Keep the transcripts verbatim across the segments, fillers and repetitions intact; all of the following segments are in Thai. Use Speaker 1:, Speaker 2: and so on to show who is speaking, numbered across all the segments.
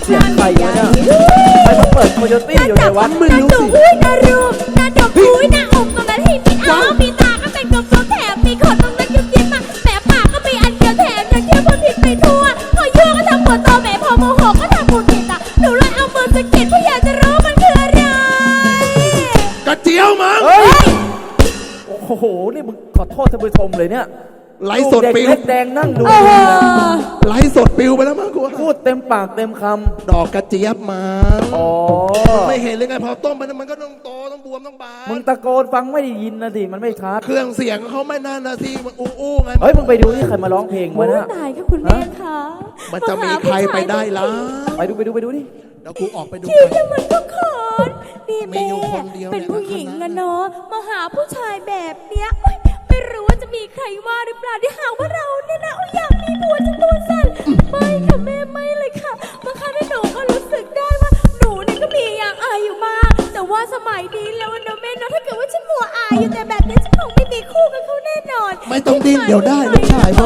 Speaker 1: เสียงใครวะเนี่ยใครมาเปิดโคโยตี้อยู่ในวัดไม่รู้สิ
Speaker 2: อุ้ยนารูปนาดอกอุ้ยนาอกตรงนั้นให้มีอ้ามีตาก็เป็นกลมๆแถมมีขนตรงนั้นยิ้มยิ้มมาแหมปากก็มีอันเดียวแถมยังเที่ยวคนผิดไปทั่วพอยั่วก็ทำหัวโตแหมพอโมโหก็ทำบุญกินอ่ะหนูเลยเอามือสะกิดเพราะอยากจะรู้มันคืออะไร
Speaker 3: กระเจียวมั้ง
Speaker 1: โอ้โหนี่มึงขอโทษท่านผู้ชมเลยเนี่ย
Speaker 3: ไลฟ์สดปิว
Speaker 1: แดงนั่งดู
Speaker 3: ไลฟ์สดปิวไปแล้วมั้งกู
Speaker 1: พูดเต็มปากเต็มค
Speaker 3: ำดอกกระเจี๊ยบมา
Speaker 1: อ๋อ
Speaker 3: ไม่เห็นเลยไงพอต้มไปมันก็ต้องโตต้องบวมต้องบาน
Speaker 1: มึงตะโกนฟังไม่ได้ยินนะสิมันไม่ชัด
Speaker 3: เครื่องเสียงเขาไม่น่านะสิมันอู้อู้ไง
Speaker 1: เฮ้ยมึงไปดูนี่ใครมาร้องเพลงวะเนี่ย
Speaker 2: ตายค่ะคุณแม่คะ
Speaker 3: มันจะมีใครไปได้ล่ะ
Speaker 1: ไปดูไปดูไปดูนี่
Speaker 3: เดี๋ยวกูออกไปดู
Speaker 2: ที่จะมันก็ขอนนี่แม่เป็นผู้หญิงอะเนาะมาหาผู้ชายแบบเนี้ยไม่รู้ว่าจะมีใครว่าหรือเปล่าที่หาว่าเราเนี่ยนะอยากมีผัวจะตัวสั่นไม่ค่ะแม่ไม่เลยค่ะบางครั้งหนูก็รู้สึกได้ว่าหนูเนี่ยก็มีอย่างอายอยู่มากแต่ว่าสมัยนี้แล้วนะแม่เนาะถ้าเกิดว่าฉันมัวอายอยู่แต่แบบนี้ฉันคงไม่มีคู่กับเขาแน่นอน
Speaker 3: ไม่ต้องดิ้นเดี๋ยวได้ลูกชาย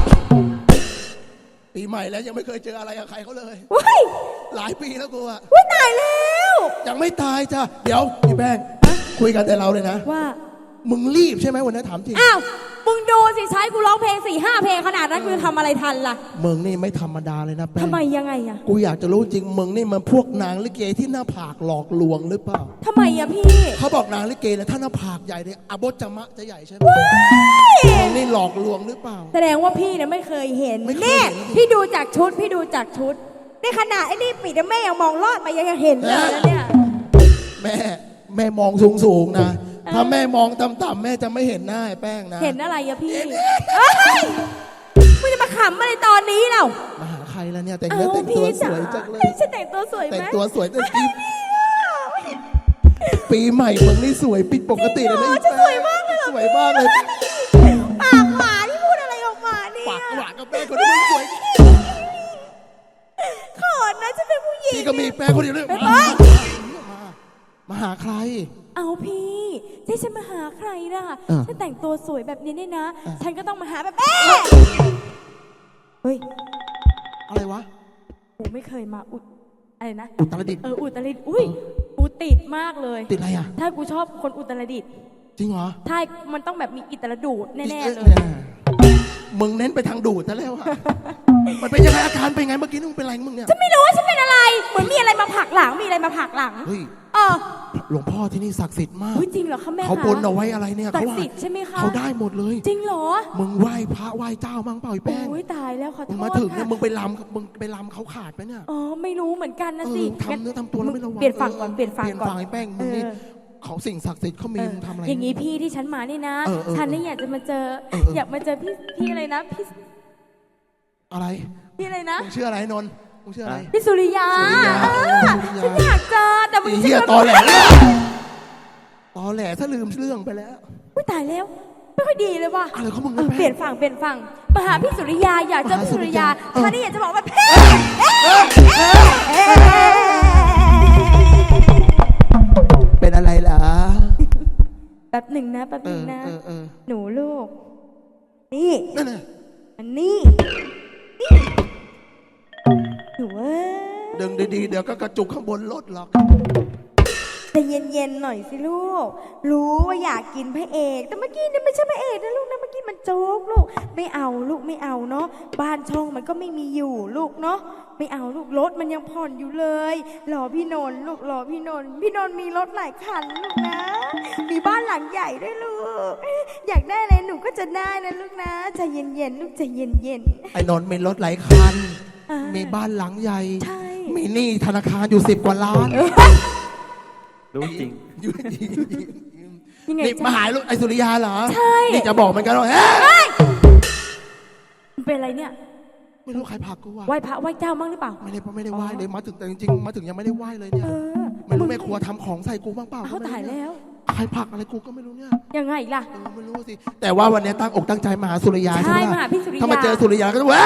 Speaker 3: ปีใหม่แล้วยังไม่เคยเจออะไรกับใครเขาเลยหลายปีแล้วกูอะ
Speaker 2: ว้ยตายแล้ว
Speaker 3: ยังไม่ตายจ้ะเดี๋ยวพี่แป้งคุยกันแต่เราเลยนะ
Speaker 2: ว่า
Speaker 3: มึงรีบใช่ไหมวันนี้ถามจริง
Speaker 2: อ้าวมึงดูสิใช้กูร้องเพลงสี่ห้าเพลงขนาดนั้นกูทำอะไรทันล่ะ
Speaker 3: มึงนี่ไม่ธรรมดาเลยนะแป้ง
Speaker 2: ทำไมยังไงอะ
Speaker 3: กูอยากจะรู้จริงมึงนี่มันพวกนางลิเกที่หน้าผากหลอกลวงหรือเปล่า
Speaker 2: ทำไมอะพี่
Speaker 3: เขาบอกนางลิเกเนี่ยถ้าหน้าผากใหญ่เนี่ยอบจมะจะใหญ่ใช่ไหมมึงนี่หลอกลวงหรือเปล่า
Speaker 2: แสดงว่าพี่เนี่ยไม่เคยเห็นนี่พี่ดูจากชุดพี่ดูจากชุดในขณะไอ้นี่ปิดแม่ยังมองลอดมายังเห็นเลยนะเนี่ย
Speaker 3: แม่แม่มองสูงสูงนะถ้าแม่มองต่ำๆแม่จะไม่เห็นหน้าไอ้แป้งนะ
Speaker 2: เห็นอะไรอะพี่มึงจะมาขำอะไรตอนนี้เรา
Speaker 3: มาหาใครแล้วเนี่ยแต่งเนื้อแต่งตัวสวยจังเลย
Speaker 2: ฉันแต่งตัวสวยไหม
Speaker 3: แต่งตัวสวยแต่ปีปีใหม่มึงนี่สวยปิดปกติเลยนะ
Speaker 2: ฉันสวยมากเลย
Speaker 3: สวยมากเลย
Speaker 2: ปากหวานที่พูดอะไรออกมาเนี่ย
Speaker 3: ปากหวานกับแป้งคนนี้มึงสวย
Speaker 2: ขอนะฉันเป็นผู้หญิง
Speaker 3: พี่ก็มีแป้งคนเดียวเลยมาหาใคร
Speaker 2: เอาพี่ที่ฉันมาหาใครล่ะฉันแต่งตัวสวยแบบนี้เนี่ยนะฉันก็ต้องมาหาแบบเอ๊ะเฮ้ย
Speaker 3: อะไรวะ
Speaker 2: กูไม่เคยมาอุดอะไรนะ
Speaker 3: อุตรดิตถ์
Speaker 2: เอออุตรดิตถ์อุ้ยกูติดมากเลย
Speaker 3: ติดอะไรอ่ะ
Speaker 2: ถ้ากูชอบคนอุตรดิตถ์
Speaker 3: จริงเหรอ
Speaker 2: ใช่มันต้องแบบมีอิตรดูดแน่ๆเลย
Speaker 3: มึงเน้นไปทางดูดซะแล้วอ่ะมันเป็นยังไงอาการเป็นไงเมื่อกี้มึงเป็นอะไรมึงเนี่ย
Speaker 2: ฉันไม่รู้ว่าฉันเป็นอะไรเหมือนมีอะไรมาผลักหลังมีอะไรมาผลักหลัง
Speaker 3: เฮ้ย
Speaker 2: เออ
Speaker 3: หลวงพ่อที่นี่ศักดิ์สิทธิ์มาก
Speaker 2: จริงเหรอคะแม่
Speaker 3: เขาบนเอาไว้อะไรเนี่ย
Speaker 2: ศักดิ์สิทธิ์ใช่ไหมคะ
Speaker 3: เขาได้หมดเลย
Speaker 2: จริงเหรอ
Speaker 3: มึงไหว้พระไหว้เจ้ามั้งเปล่าไอ้แป้ง
Speaker 2: โอ้ยตายแล้วขอโทษ
Speaker 3: มึงมาถึงเนี่ยมึงไปลำมึงไปลำเขาขาดไหมเนี่ย
Speaker 2: อ๋อไม่รู้เหมือนกันนะสิ
Speaker 3: ทำเนื้อทำตัวแล้วไม่ระวัง
Speaker 2: เปลี่ยนฝั่งก่อนเปลี่ยนฝั่งก่อน
Speaker 3: ไอ้แป้งมึงนี่เขาสิ่งศักดิ์สิทธิ์เขามีมึงทำอะไร
Speaker 2: อย่างนี้พี่ที่ฉันมานี่นะฉันนี่อยากจะมาเจออยากมาเจอพี่พี่อะไรนะพี่
Speaker 3: อะไร
Speaker 2: พี่อะไรนะ
Speaker 3: มึงชื่ออะไรนนท์มึงชื่ออะไร
Speaker 2: พี่สุริยาฉันอยากเจอแต่มึง
Speaker 3: เหี้ยตอแหลตอแหลถ้าลืมเรื่องไปแล้ว
Speaker 2: อุ้ยตายแล้วไม่ค่อยดีเลยว่ะ
Speaker 3: อะไรเขามึง
Speaker 2: เปลี่ยนฝั่งเปลี่ยนฝั่งมาหาพี่สุริยาอยากเจอพี่สุริยาฉันนี่อยากจะบอกว่าเพ่
Speaker 3: เป็นอะไรล่ะ
Speaker 2: แป๊บหนึ่งนะแป๊บหนึ่งนะหนูลูกนี่อันนี้หนูว่า
Speaker 3: ดึงดีๆเดี๋ยวก็กระจุกข้างบนรถหรอก
Speaker 2: แต่เย็นๆหน่อยสิลูกรู้ว่าอยากกินพระเอกแต่เมื่อกี้นี่ไม่ใช่พระเอกนะลูกนะเมื่อกี้มันโจ๊กลูกไม่เอาลูกไม่เอาเนาะบ้านช่องมันก็ไม่มีอยู่ลูกเนาะไม่เอาลูกรถมันยังผ่อนอยู่เลยรอพี่นนท์ลูกรอพี่นนท์พี่นนท์มีรถหลายคันลูกนะมีบ้านหลังใหญ่ด้วยลูกอยากได้อะไรหนูก็จะได้นะลูกนะใจเย็นๆลูกใจเย็น
Speaker 3: ๆไอ้นนท์มีรถหลายคันมีบ้านหลังใหญ่มีหนี้ธนาคารอยู่สิบกว่าล้าน
Speaker 1: รู้จริง
Speaker 3: นี่มาหาลูกไอ้สุริยาเหรอ
Speaker 2: ใช่
Speaker 3: นี่จะบอกมันกันว่าเ
Speaker 2: ฮ้ยมันเป็นอะไรเนี่ย
Speaker 3: ไม่รู้ใครผลักกูว่ะ
Speaker 2: ไหว้พระไหว้เจ้ามั่งหรือเปล่า
Speaker 3: ไม่ได้ไม่ได้ไหว้เลยมาถึงแต่จริงๆมาถึงยังไม่ได้ไหว้เลยเนี่ยไม่รู้แม่ครัวทำของใส่กูบ้างเปล่า
Speaker 2: เขาตายแล้ว
Speaker 3: ใครผลักอะไรกูก็ไม่รู้เนี่ย
Speaker 2: ยังไงล่ะ
Speaker 3: ไม่รู้สิแต่ว่าวันนี้ตั้งอกตั้งใจมาหาสุริยาใช่ไหม
Speaker 2: มาหาพี่สุริยา
Speaker 3: ถ้ามาเจอสุริยาก็จะว้า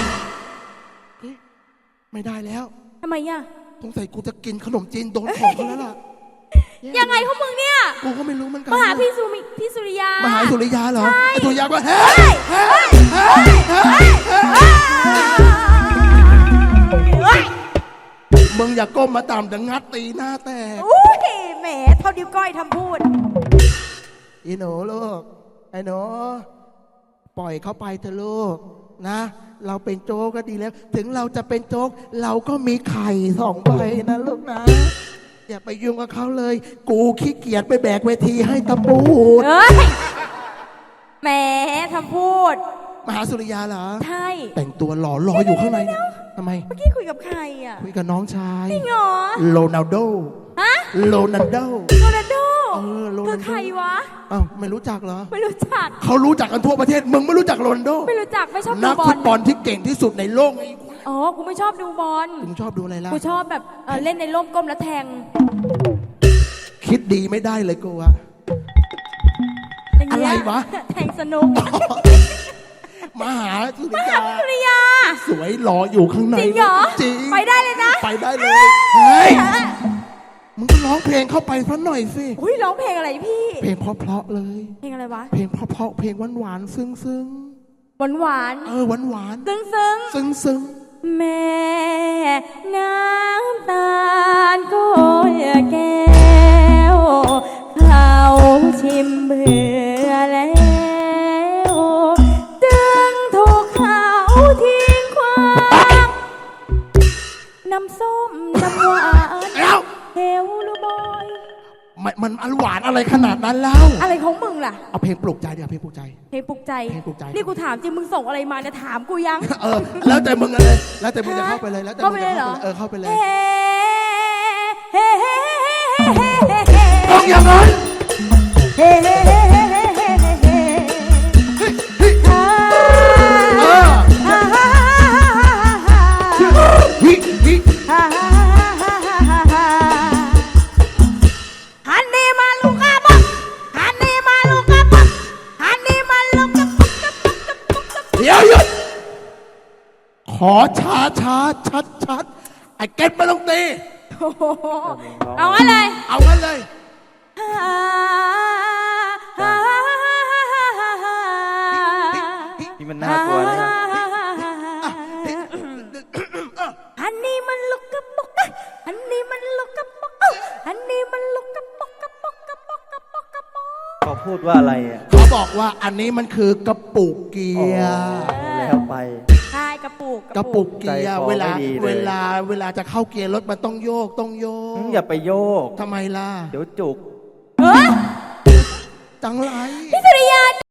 Speaker 3: ไม่ได้แล้ว
Speaker 2: ทำไมอ่ะ
Speaker 3: สงสัยกูจะกินขนมจีนโดนของเขาแล้วล่ะ
Speaker 2: ยังไงเขามึงเนี่ย
Speaker 3: กูก็ไม่รู้เหมือนกัน
Speaker 2: มาหาพี่สุริพี่สุริยา
Speaker 3: มาหาสุริยาเหรอไอ้สุริยาก็เฮ้ยเฮ้ยเฮ้ยเฮ้ยมึงอย่าก้มมาต่ำแต่งัดตีหน้าแตก
Speaker 2: อุ้ยแหมเท่านิ้วก้อยทำพูด
Speaker 3: อีหนูลูกไอ้หนูปล่อยเขาไปเถอะลูกนะ เราเป็นโจ๊กก็ดีแล้ว ถึงเราจะเป็นโจ๊กเราก็มีไข่สองใบนะลูกนะ อย่าไปยุ่งกับเขาเลย กูขี้เกียจไปแบกเวทีให้ตะปูด
Speaker 2: เฮ้ยแหมทำพูด
Speaker 3: มหาสุริยาเหรอ
Speaker 2: ใช่
Speaker 3: แต่งตัวหล่อรออยู่ข้างในเนี่ยทำไม
Speaker 2: เมื่อกี้คุยกับใครอ่ะ
Speaker 3: คุยกับน้องชาย
Speaker 2: จริงเหรอ
Speaker 3: โรนัลโด
Speaker 2: ฮะ
Speaker 3: โรนัลโด
Speaker 2: โรนัลโด
Speaker 3: เออโรนัลโด
Speaker 2: คือใครวะ
Speaker 3: อ้าวไม่รู้จักเหรอ
Speaker 2: ไม่รู้จัก
Speaker 3: เขารู้จักกันทั่วประเทศ มึงไม่รู้จักโรนัลโด
Speaker 2: ไม่รู้จักไม่ชอบดู
Speaker 3: นัก
Speaker 2: บอ
Speaker 3: ฟุ
Speaker 2: ล
Speaker 3: ตบอลที่เก่งที่สุดในโลกไอ้
Speaker 2: อ๋อ กูไม่ชอบดูบอล
Speaker 3: มึงชอบดูอะไรล่ะ
Speaker 2: กูชอบแบบเอ่อเล่นในร่มก้มแล้วแทง
Speaker 3: คิดดีไม่ได้เลยกูอะ
Speaker 2: อย่างเงี้ย
Speaker 3: อะไรวะ
Speaker 2: แทงสนุก
Speaker 3: มหาสุริยา
Speaker 2: สุริยา
Speaker 3: สวยหล่ออยู่ข้างใน
Speaker 2: จริงเหรอ
Speaker 3: จริง
Speaker 2: ไปได้เลยนะ
Speaker 3: ไปได้เลย เฮ้ย มึงก็ร้องเพลงเข้าไปสักหน่อยสิ
Speaker 2: อุ้ยร้องเพลงอะไรพี่
Speaker 3: เพลงเพราะๆเลย
Speaker 2: เพลงอะไรวะ
Speaker 3: เพลงเพราะๆเพลงหวานๆซึ้ง
Speaker 2: หวานหวาน
Speaker 3: ๆ เออหวาน
Speaker 2: ๆซึ้งซึ้ง
Speaker 3: ๆซึ้ง
Speaker 2: ๆแม่น้ำตาลก็แก้วเขาชิมเบื่อแล้วจึงถูกเขาทิ้งควางน้ำส้มน้ำหวาน
Speaker 3: ๆแล้ว
Speaker 2: เฮลลูบอย
Speaker 3: มันมันอันหวานอะไรขนาดนั้นแล้ว
Speaker 2: อะไรของมึงล่ะ
Speaker 3: เอาเพลงปลุกใจเดี๋ยวเพลงปลุกใจ
Speaker 2: เพลงปลุกใจ
Speaker 3: เพลงปลุกใจ
Speaker 2: นี่กูถามจริงมึงส่งอะไรมาเนี่ยถามกูยัง
Speaker 3: เออ แล้วแต่มึงเลย แล้วแต่มึงจะเข้าไปเลย แล้วแต่
Speaker 2: เข้า
Speaker 3: มึ
Speaker 2: ไป
Speaker 3: ง
Speaker 2: เล
Speaker 3: จะ
Speaker 2: ยเหรอ
Speaker 3: เออเข้าไปเลย
Speaker 2: เฮ้เฮ้เฮ้เฮ้เฮ้
Speaker 3: ต้องอย่างนั้น
Speaker 2: เฮ้เฮ้เฮ้เฮ้เฮ้เฮ้เฮ้
Speaker 3: เออฮิฮิ
Speaker 2: ฮันนี่มาลูกกระบอกฮันนี่มาลูกกระบอกฮันนี่มาลูกกระบอกกระบอกกระบอกกระบอก
Speaker 3: เดี๋ยวหยุด ขอช้าช้าชัดชัดไอ้เก็ตไม่ต้องตี
Speaker 2: โอ้โหเอาอะไร
Speaker 3: เอางั้นเลย
Speaker 1: นี่มันน่ากลัวนะ
Speaker 2: อันนี้มันลูกกระบอกอันนี้มันลูกกระบอกอันนี้มันลูกกระบอกกระบอกกระบอกกระบอกกระบอก
Speaker 1: เขาพูดว่าอะไรอ่ะ
Speaker 3: เขาบอกว่าอันนี้มันคือกระปุกเกียร์
Speaker 1: แล้วไป
Speaker 2: ใช่กระปุก
Speaker 3: กระปุกเกียร์
Speaker 1: ใจคอ
Speaker 3: เวลา
Speaker 1: ไม่ดีเลย
Speaker 3: เวลาเวลาจะเข้าเกียร์รถมันต้องโยกต้องโยก
Speaker 1: อย่าไปโยก
Speaker 3: ทำไมล่ะ
Speaker 1: เดี๋ยวจุก
Speaker 2: เฮ้ย
Speaker 3: จังไร
Speaker 2: พี่สุริยา